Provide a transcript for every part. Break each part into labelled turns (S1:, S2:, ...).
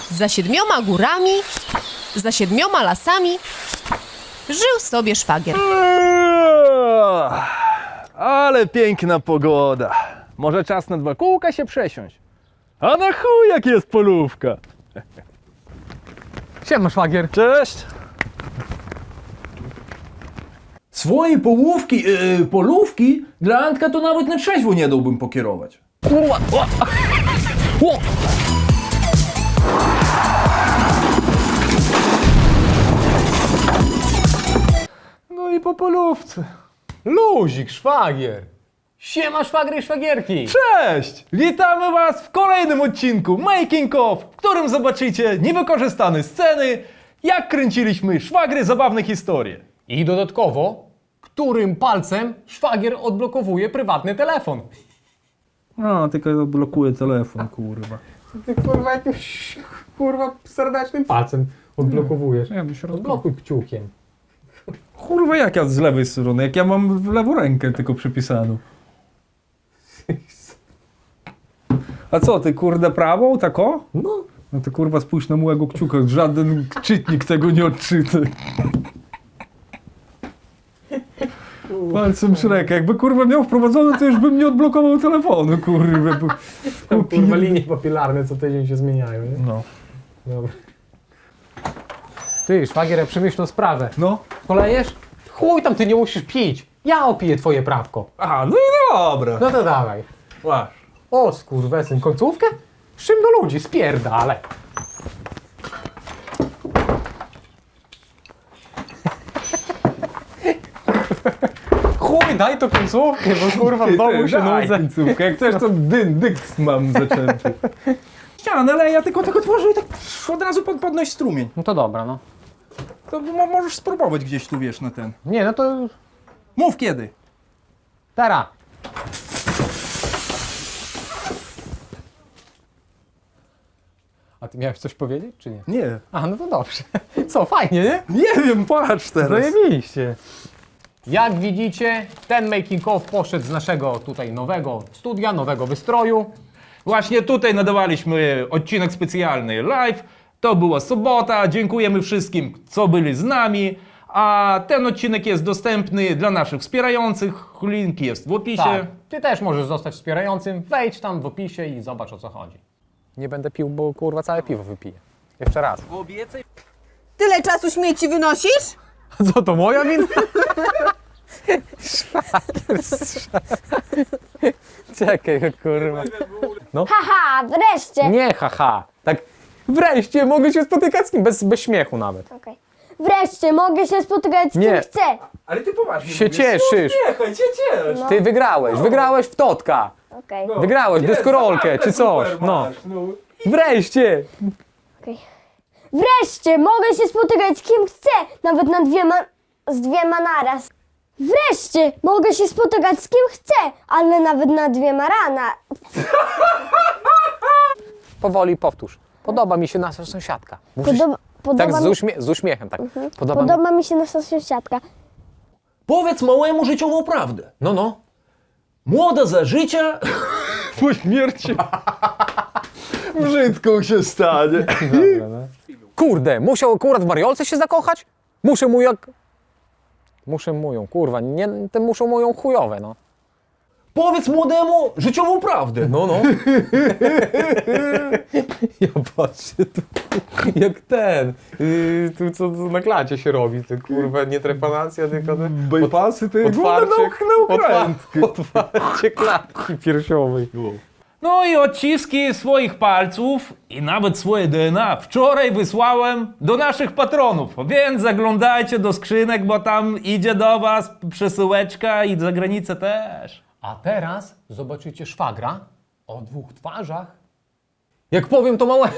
S1: Za 7 górami, za 7 lasami żył sobie szwagier.
S2: Ale piękna pogoda. Może czas na 2 kółka się przesiąść. A na chuj jak jest polówka.
S3: Siema, szwagier.
S2: Cześć. Swoje polówki dla Antka to nawet na trzeźwo nie dałbym pokierować. Kurwa! O!
S3: No i po polówce. Luzik, szwagier. Siema, szwagry i szwagierki.
S2: Cześć! Witamy Was w kolejnym odcinku Making of, w którym zobaczycie niewykorzystane sceny, jak kręciliśmy szwagry zabawne historie.
S3: I dodatkowo, którym palcem szwagier odblokowuje prywatny telefon.
S2: No, tylko blokuje telefon, kurwa.
S3: Ty kurwa jakimś serdecznym palcem odblokowujesz.
S2: Ja bym się
S3: Odblokuj kciukiem.
S2: Kurwa, jak ja z lewej strony, jak ja mam w lewą rękę tylko przypisaną. A co, ty kurde prawą, tak o?
S3: No.
S2: No to kurwa spójrz na mojego kciuka, żaden czytnik tego nie odczyta. Palcem Shreka, jakby kurwa miał wprowadzone, to już bym nie odblokował telefonu, kurwa. Bo...
S3: Kurwa linie papilarne co tydzień się zmieniają, nie?
S2: No.
S3: Dobra. Ty, szwagier, ja przemyślną sprawę.
S2: No.
S3: Polejesz? Chuj tam, ty nie musisz pić. Ja opiję twoje prawko.
S2: A, no i dobra.
S3: No to dawaj.
S2: Masz.
S3: O, skurwesyn, końcówkę? Z czym do ludzi? Spierdalaj. Chuj, daj to końcówkę, bo kurwa w domu się nudzę.
S2: końcówkę, jak chcesz to dykt mam zaczęty. Ścianę, ale ja tylko tworzę i tak od razu podnoś strumień.
S3: No to dobra, no.
S2: To możesz spróbować gdzieś tu, wiesz, na ten.
S3: Nie, no to
S2: Mów kiedy.
S3: teraz. A ty miałeś coś powiedzieć, czy nie?
S2: Nie.
S3: A, no to dobrze. Co, fajnie, nie?
S2: Nie wiem, patrz teraz.
S3: Zajebiście. Jak widzicie, ten making of poszedł z naszego tutaj nowego studia, nowego wystroju.
S2: Właśnie tutaj nadawaliśmy odcinek specjalny live. To była sobota. Dziękujemy wszystkim, co byli z nami. A ten odcinek jest dostępny dla naszych wspierających. Link jest w opisie.
S3: Tak, ty też możesz zostać wspierającym. Wejdź tam w opisie i zobacz, o co chodzi. Nie będę pił, bo kurwa całe piwo wypiję. Jeszcze raz.
S1: Tyle czasu śmieci wynosisz?
S3: Co, to moja wina? Czekaj, kurwa.
S4: Haha, wreszcie!
S3: Nie, haha. Tak wreszcie mogę się spotykać z kim, bez śmiechu nawet.
S4: Okej. Wreszcie mogę się spotykać z kim
S3: Nie.
S4: chcę.
S2: Ale ty poważnie
S3: Się cieszysz.
S2: Niechaj cię ciesz.
S3: Ty wygrałeś w Totka.
S4: Okej.
S3: Wygrałeś deskorolkę czy coś. No. Wreszcie.
S4: Wreszcie mogę się spotykać z kim chcę, nawet z dwiema naraz. Wreszcie mogę się spotykać z kim chcę, ale nawet na 2 rana.
S3: Powoli powtórz. Podoba mi się nasza sąsiadka. Musisz, tak z uśmiechem, tak.
S4: Podoba mi się nasza sąsiadka.
S2: Powiedz małemu życiową prawdę.
S3: No.
S2: Młoda za życia, po śmierci brzydką się stanie.
S3: Kurde, musiał akurat w Mariolce się zakochać? Muszę mu ją, kurwa, nie, te muszą mu ją chujowe, no.
S2: Powiedz młodemu życiową prawdę.
S3: No. Ja patrzę tu, jak ten, tu co na klacie się robi, to kurwa, nie trepanacja, tylko
S2: Bypassy to
S3: otwarcie klatki piersiowej.
S2: No i odciski swoich palców i nawet swoje DNA wczoraj wysłałem do naszych patronów, więc zaglądajcie do skrzynek, bo tam idzie do was przesyłeczka i za granicę też.
S3: A teraz zobaczycie szwagra o 2 twarzach. Jak powiem to małe...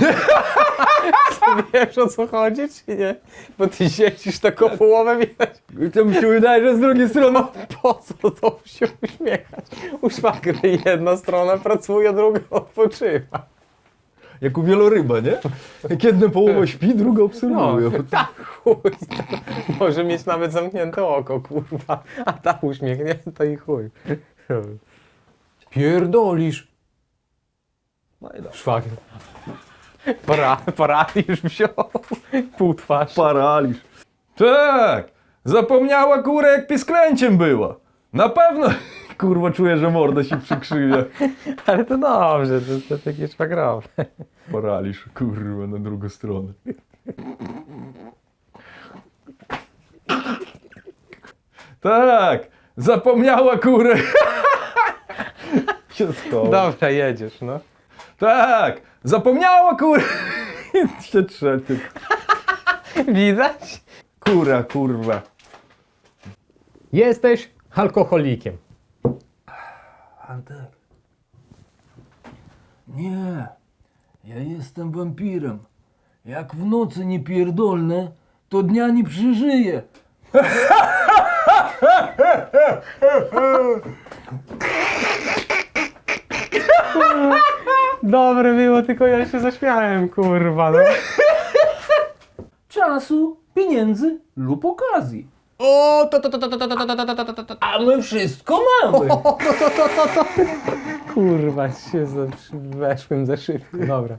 S3: Wiesz o co chodzi, czy nie? Bo ty siedzisz taką połowę widać.
S2: To mi się wydaje, że z drugiej strony...
S3: Po co to się uśmiechać? U szwagry jedna strona pracuje, druga odpoczywa.
S2: Jak u wieloryba, nie? Jak jedna połowa śpi, druga obserwuje.
S3: Tak, chuj. Może mieć nawet zamknięte oko, kurwa. A ta uśmiechnięta i chuj. Pierdolisz.
S2: No i dobrze.
S3: Szwagier. Paraliż wziął. Pół twarz.
S2: Paraliż. Tak, zapomniała kurę jak pisklęciem była. Na pewno, kurwa, czuję, że morda się przykrzywia.
S3: Ale to dobrze, to takie szwagrowe.
S2: Paraliż, kurwa, na drugą stronę. Tak, zapomniała kurę. Się schował.
S3: Dobra, jedziesz, no.
S2: Tak, zapomniała kurę. Się trzecie.
S3: Widać?
S2: Kura, kurwa.
S3: Jesteś alkoholikiem.
S2: Antek. Nie, ja jestem wampirem. Jak w nocy nie pierdolnę, to dnia nie przeżyję.
S3: Dobre było, tylko ja się zaśmiałem, kurwa, no.
S2: Czasu, pieniędzy lub okazji.
S3: O,
S2: A my wszystko mamy.
S3: Kurwa, się weszłem za szybko, dobra.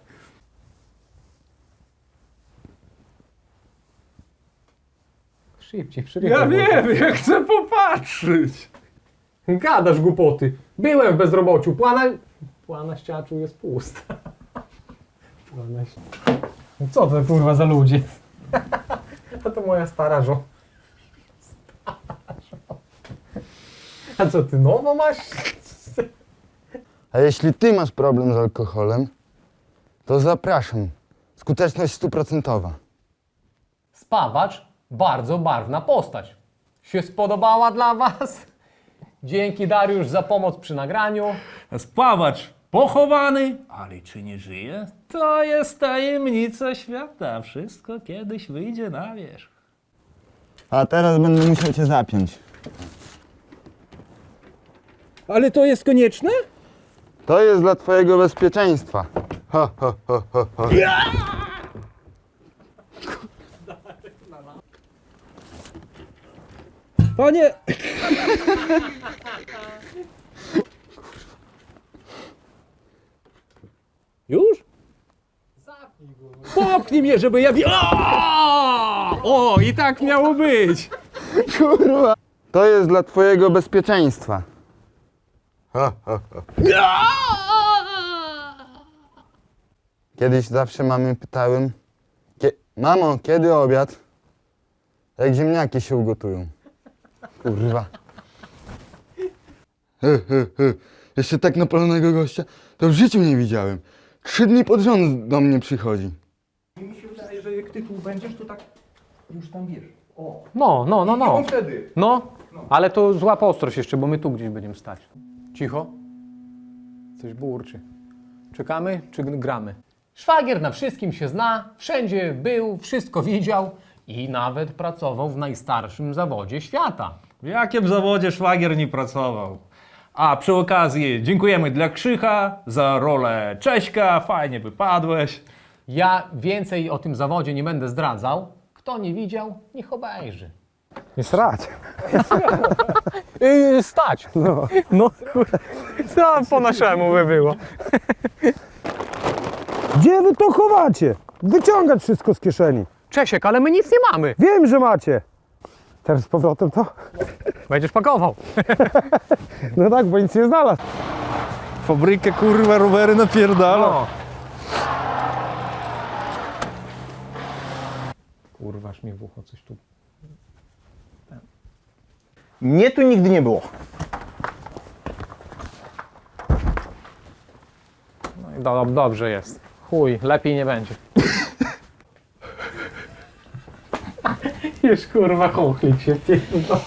S3: Szybciej,
S2: Ja wiem, ja chcę popatrzeć.
S3: Gadasz głupoty. Byłem w bezrobociu. Płana ściaczu jest pusta. Co to kurwa za ludzie? A to moja stara żona. A co ty nowo masz?
S5: A jeśli ty masz problem z alkoholem, to zapraszam. Skuteczność 100%.
S3: Spawacz, bardzo barwna postać. Się spodobała dla was? Dzięki Dariusz za pomoc przy nagraniu.
S2: Spawacz pochowany, ale czy nie żyje? To jest tajemnica świata. Wszystko kiedyś wyjdzie na wierzch.
S5: A teraz będę musiał cię zapiąć.
S2: Ale to jest konieczne?
S5: To jest dla twojego bezpieczeństwa. Ho, ho, ho, ho, ho.
S2: Panie... Już? Popchnij mnie, żeby ja... O, i tak miało być.
S5: Kurwa. To jest dla twojego bezpieczeństwa. Ho, ho, ho. Kiedyś zawsze mamy pytałem, mamo, kiedy obiad? Jak ziemniaki się ugotują. Kurwa. Jeszcze tak napalonego gościa to w życiu nie widziałem. 3 dni pod rząd do mnie przychodzi.
S2: Mi się wydaje, że jak tytuł będziesz, to tak już tam wiesz. O.
S3: No.
S2: Wtedy.
S3: No, ale to złap ostrość jeszcze, bo my tu gdzieś będziemy stać. Cicho. Coś burczy. Czekamy czy gramy? Szwagier na wszystkim się zna, wszędzie był, wszystko widział i nawet pracował w najstarszym zawodzie świata.
S2: W jakim zawodzie szwagier nie pracował? A przy okazji dziękujemy dla Krzycha za rolę Cześka, fajnie wypadłeś.
S3: Ja więcej o tym zawodzie nie będę zdradzał. Kto nie widział, niech obejrzy.
S6: Nie srać.
S3: Stać! No kurde, co po naszemu by było?
S6: Gdzie wy to chowacie? Wyciągać wszystko z kieszeni.
S3: Czesiek, ale my nic nie mamy.
S6: Wiem, że macie. Teraz z powrotem to?
S3: Będziesz pakował.
S6: No tak, bo nic nie znalazł.
S2: Fabrykę kurwa rowery napierdala.
S3: No. Kurwa, aż mi w ucho coś tu.
S6: Mnie tu nigdy nie było.
S3: No i dobrze jest. Chuj, lepiej nie będzie. Już kurwa chochlik się pierdolę.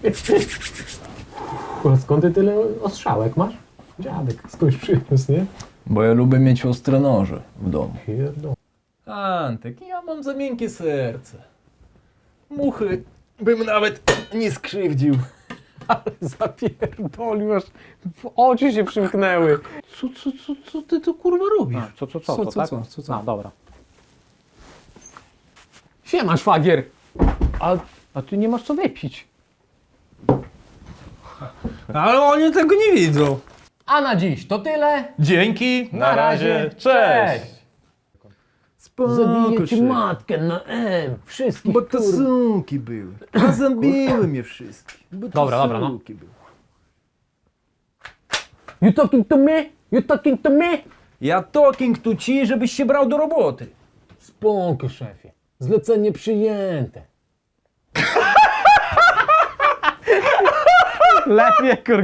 S3: Skąd ty tyle ostrzałek masz? Dziadek skądś przyniósł, nie?
S2: Bo ja lubię mieć ostre noże w domu.
S3: Pierdol.
S2: Antek, ja mam za miękkie serce. Muchy bym nawet nie skrzywdził.
S3: Zapierdolił, aż w oczy się przymknęły.
S2: Co ty to kurwa robisz?
S3: Co? No, dobra. Siema, szwagier. A ty nie masz co wypić.
S2: Ale oni tego nie widzą.
S3: A na dziś to tyle.
S2: Dzięki,
S3: Na razie, cześć. Zabiję ci matkę na M. Wszystkich,
S7: Bo to suki były. A zabiły mnie wszystkich. Bo to
S3: Dobra, no.
S7: suki były.
S3: You talking to me? You talking to me?
S7: Ja talking tu ci, żebyś się brał do roboty.
S3: Spokój, szefie. Zlecenie przyjęte.
S2: Lepiej,